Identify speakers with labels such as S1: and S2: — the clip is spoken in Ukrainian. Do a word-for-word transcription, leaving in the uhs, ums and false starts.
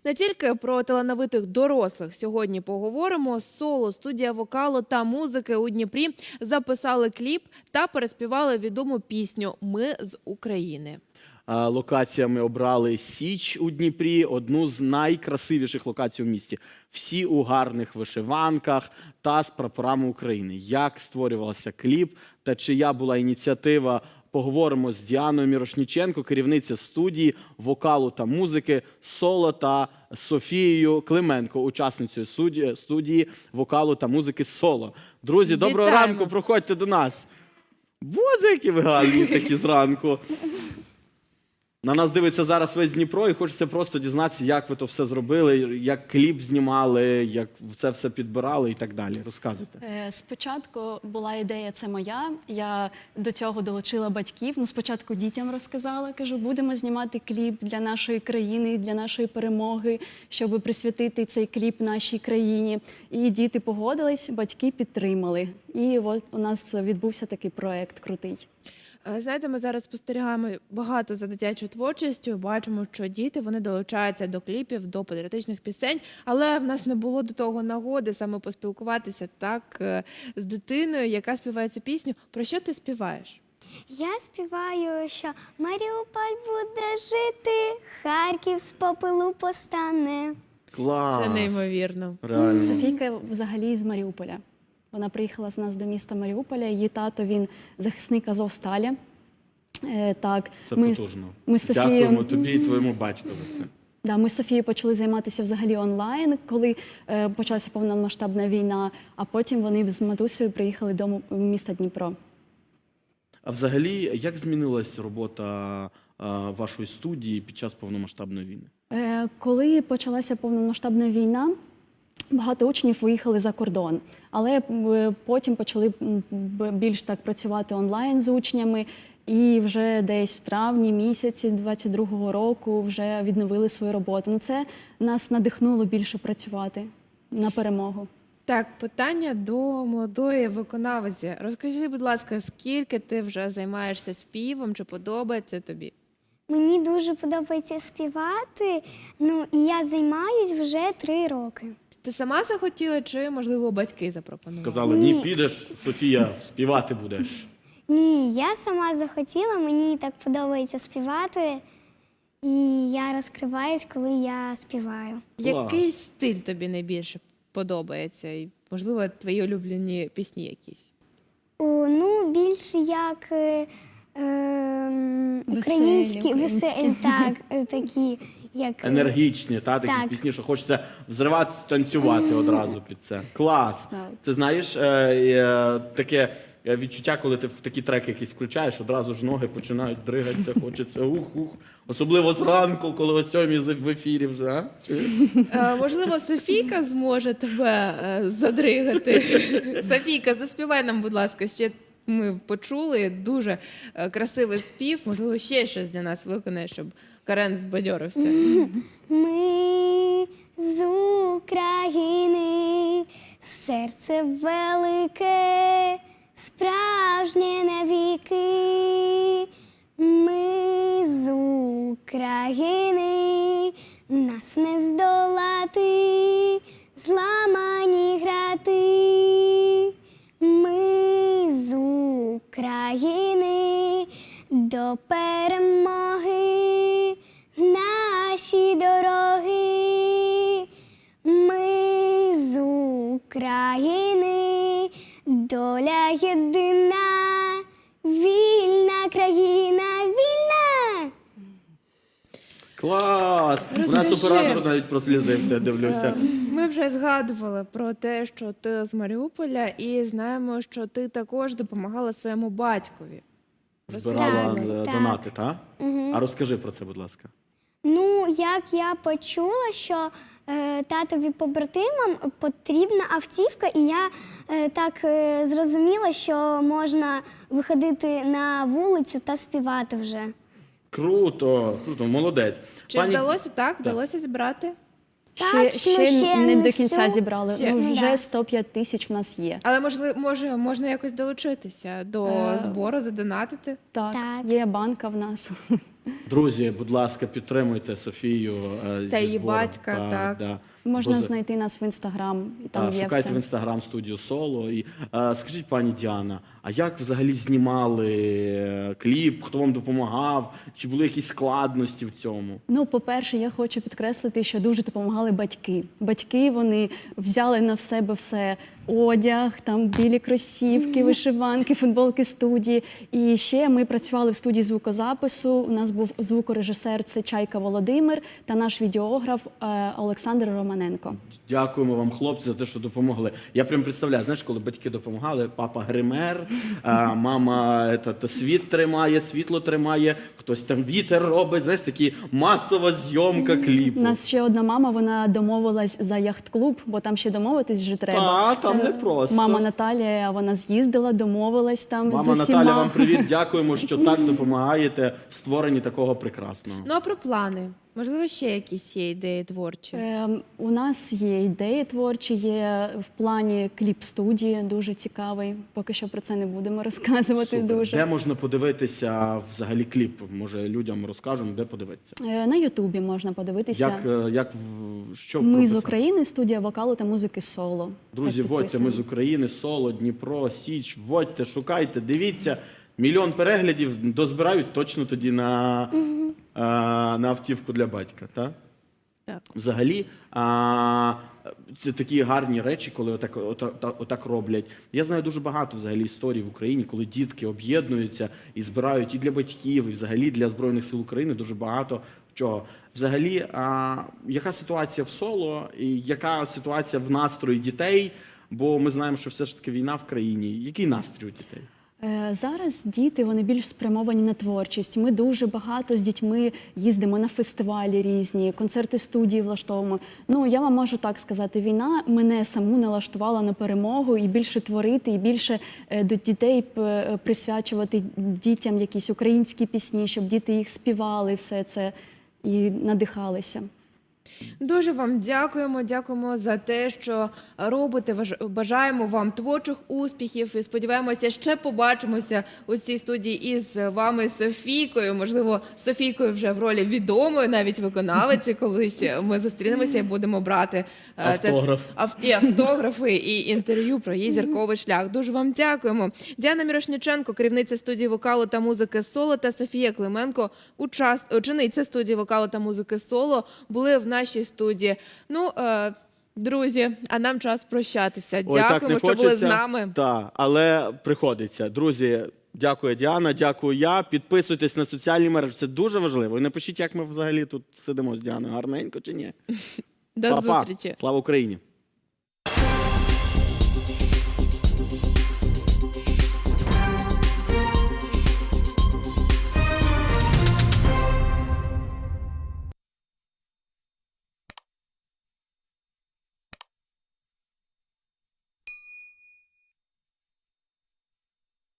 S1: Не тільки про талановитих дорослих сьогодні поговоримо. Соло, студія вокалу та музики у Дніпрі записали кліп та переспівали відому пісню «Ми з України».
S2: Локаціями обрали Січ у Дніпрі, одну з найкрасивіших локацій у місті. Всі у гарних вишиванках та з прапорами України. Як створювався кліп та чия була ініціатива, поговоримо з Діаною Мірошніченко, керівниця студії вокалу та музики «Соло» та Софією Клименко, учасницею студії вокалу та музики «Соло». Друзі, доброго
S1: Вітаємо.
S2: ранку, проходьте до нас. Боже, які ви гарні такі зранку. На нас дивиться зараз весь Дніпро і хочеться просто дізнатися, як ви то все зробили, як кліп знімали, як це все підбирали і так далі. Розказуйте.
S3: Спочатку була ідея, це моя. Я до цього долучила батьків. Ну, спочатку дітям розказала, кажу, будемо знімати кліп для нашої країни, для нашої перемоги, щоб присвятити цей кліп нашій країні. І діти погодились, батьки підтримали. І от у нас відбувся такий проект крутий.
S1: Знаєте, ми зараз спостерігаємо багато за дитячою творчістю, бачимо, що діти, вони долучаються до кліпів, до патріотичних пісень, але в нас не було до того нагоди саме поспілкуватися так з дитиною, яка співає цю пісню. Про що ти співаєш?
S4: Я співаю, що Маріуполь буде жити, Харків з попелу постане.
S2: Клас!
S1: Це неймовірно.
S2: Реально.
S3: Софійка взагалі з Маріуполя. Вона приїхала з нас до міста Маріуполя. Її тато, він захисник Азовсталі. Е, так,
S2: Це
S3: ми,
S2: потужно.
S3: Ми з Софією,
S2: Дякуємо тобі і твоєму батьку за це.
S3: да, ми з Софією почали займатися взагалі онлайн, коли е, почалася повномасштабна війна, а потім вони з матусею приїхали до міста Дніпро.
S2: А взагалі, як змінилась робота а, вашої студії під час повномасштабної війни?
S3: Е, коли почалася повномасштабна війна, багато учнів виїхали за кордон, але е, потім почали м, б- більш так працювати онлайн з учнями, і вже десь в травні місяці двадцять другого року вже відновили свою роботу. Ну, це нас надихнуло більше працювати на перемогу.
S1: Так, питання до молодої виконавиці. Розкажи, будь ласка, скільки ти вже займаєшся співом, чи подобається тобі?
S4: Мені дуже подобається співати, ну і я займаюсь вже три роки.
S1: Ти сама захотіла, чи, можливо, батьки запропонували?
S2: Казали, ні, підеш, Софія, співати будеш.
S4: Ні, я сама захотіла, мені так подобається співати, і я розкриваюсь, коли я співаю.
S1: Який стиль тобі найбільше подобається? І, можливо, твої улюблені пісні якісь?
S4: О, ну, більше як е, е, українські, веселі, так, е, такі, як... е,
S2: Енергічні, та, такі
S4: Так.
S2: пісні, що хочеться взриватися, танцювати одразу під це. Клас!
S3: Так.
S2: Ти знаєш, е, е, таке відчуття, коли ти в такі треки якісь включаєш, одразу ж ноги починають дригатися, хочеться ух-ух. Особливо зранку, коли о сьомій в ефірі вже. А?
S1: Е, можливо, Софійка зможе тебе е, задригати. Софійка, заспівай нам, будь ласка, ще ми почули дуже е, красивий спів. Можливо, ще щось для нас виконає, щоб Карен збадьорився.
S4: Ми з України, серце велике, справжнє навіки. Ми з України, нас не здолати, зламані грати. Ми з України, до перемоги наші дороги. Ми з України, доля єдина, вільна країна, вільна!
S2: Клас! У нас
S1: Розкажи.
S2: оператор навіть прослізився, я дивлюся.
S1: Ми вже згадували про те, що ти з Маріуполя, і знаємо, що ти також допомагала своєму батькові.
S2: Збирала
S4: Так,
S2: е,
S4: так.
S2: донати, так? А розкажи про це, будь ласка.
S4: Ну, як я почула, що е, татові побратимам потрібна автівка, і я е, так е, зрозуміла, що можна виходити на вулицю та співати вже.
S2: Круто, круто, молодець.
S1: Чи вдалося так? Вдалося зібрати?
S4: Так,
S3: ще
S4: ну,
S3: ще,
S4: ще
S3: не
S4: не
S3: до кінця
S4: всю.
S3: зібрали.
S1: Ще.
S3: Ну,
S4: Ну,
S3: вже
S4: да.
S3: сто п'ять тисяч в нас є.
S1: Але можливо, може, можна якось долучитися до
S3: Е.
S1: збору, задонатити?
S3: Так,
S4: Так.
S3: є банка в нас.
S2: Друзі, будь ласка, підтримуйте Софію е, зі
S1: Та її
S2: збором.
S1: батька, так.
S2: Да.
S3: Можна
S2: Бо за-
S3: знайти нас в інстаграм, і там
S2: Так,
S3: є
S2: шукайте
S3: все.
S2: в інстаграм студію Соло. І, е, скажіть, пані Діана, а як взагалі знімали е, кліп? Хто вам допомагав? Чи були якісь складності в цьому?
S3: Ну, по-перше, я хочу підкреслити, що дуже допомагали батьки. Батьки вони взяли на себе все. Одяг, там білі кросівки, вишиванки, футболки студії. І ще ми працювали в студії звукозапису. У нас був звукорежисер це Чайка Володимир та наш відеограф е, Олександр Романенко.
S2: Дякуємо вам, хлопці, за те, що допомогли. Я прям представляю, знаєш, коли батьки допомагали, папа гример, а мама е, та, та світ тримає, світло тримає, хтось там вітер робить, знаєш, такі масова зйомка кліпу.
S3: У нас ще одна мама, вона домовилась за яхт-клуб, бо там ще домовитись вже треба.
S2: Та, там
S3: Е,
S2: непросто.
S3: Мама Наталія, вона з'їздила, домовилась там
S2: Мама
S3: з усіма.
S2: Наталя, вам привіт, дякуємо, що так допомагаєте в створенні такого прекрасного.
S1: Ну а про плани? Можливо, ще якісь є ідеї творчі?
S3: Е, У нас є ідеї творчі, є в плані кліп-студії, дуже цікавий. Поки що про це не будемо розказувати
S2: Супер.
S3: дуже.
S2: Де можна подивитися взагалі кліп? Може, людям розкажемо, де подивитися?
S3: Е, На Ютубі можна подивитися.
S2: Як, е, як в що
S3: Ми з
S2: прописати?
S3: України, студія вокалу та музики соло.
S2: Друзі,
S3: Так
S2: вводьте, ми
S3: підписано.
S2: з України, Соло, Дніпро, Січ, вводьте, шукайте, дивіться. Мільйон переглядів дозбирають точно тоді на, а, на автівку для батька. Так?
S1: Так.
S2: Взагалі, а, це такі гарні речі, коли отак, отак, отак роблять. Я знаю дуже багато взагалі історій в Україні, коли дітки об'єднуються і збирають і для батьків, і взагалі для Збройних сил України дуже багато чого. Взагалі, а, яка ситуація в Соло, і яка ситуація в настрої дітей? Бо ми знаємо, що все ж таки війна в країні. Який настрій у дітей?
S3: Е, Зараз діти вони більш спрямовані на творчість. Ми дуже багато з дітьми їздимо на фестивалі різні, концерти студії влаштовуємо. Ну я вам можу так сказати, війна мене саму налаштувала на перемогу і більше творити, і більше е, до дітей п- присвячувати дітям якісь українські пісні, щоб діти їх співали, все це і надихалися.
S1: Дуже вам дякуємо. Дякуємо за те, що робите. Важ- Бажаємо вам творчих успіхів і сподіваємося, ще побачимося у цій студії із вами, Софійкою. Можливо, Софійкою вже в ролі відомої, навіть виконавиці. Колись ми зустрінемося і будемо брати е, те-
S2: Автограф.
S1: ав- і автографи, і інтерв'ю про її зірковий шлях. Дуже вам дякуємо. Діана Мірошниченко, керівниця студії вокалу та музики «Соло», та Софія Клименко, учас- учениця студії вокалу та музики «Соло», були в нашій студії. Ну, е, друзі, а нам час прощатися.
S2: Ой, так
S1: Дякуємо,
S2: не
S1: що були з
S2: хочеться.
S1: нами.
S2: Так, але приходиться. Друзі, дякую Діана, дякую я. Підписуйтесь на соціальні мережі, це дуже важливо. І напишіть, як ми взагалі тут сидимо з Діаною, гарненько чи ні.
S1: До
S2: Па-па.
S1: зустрічі.
S2: Слава Україні!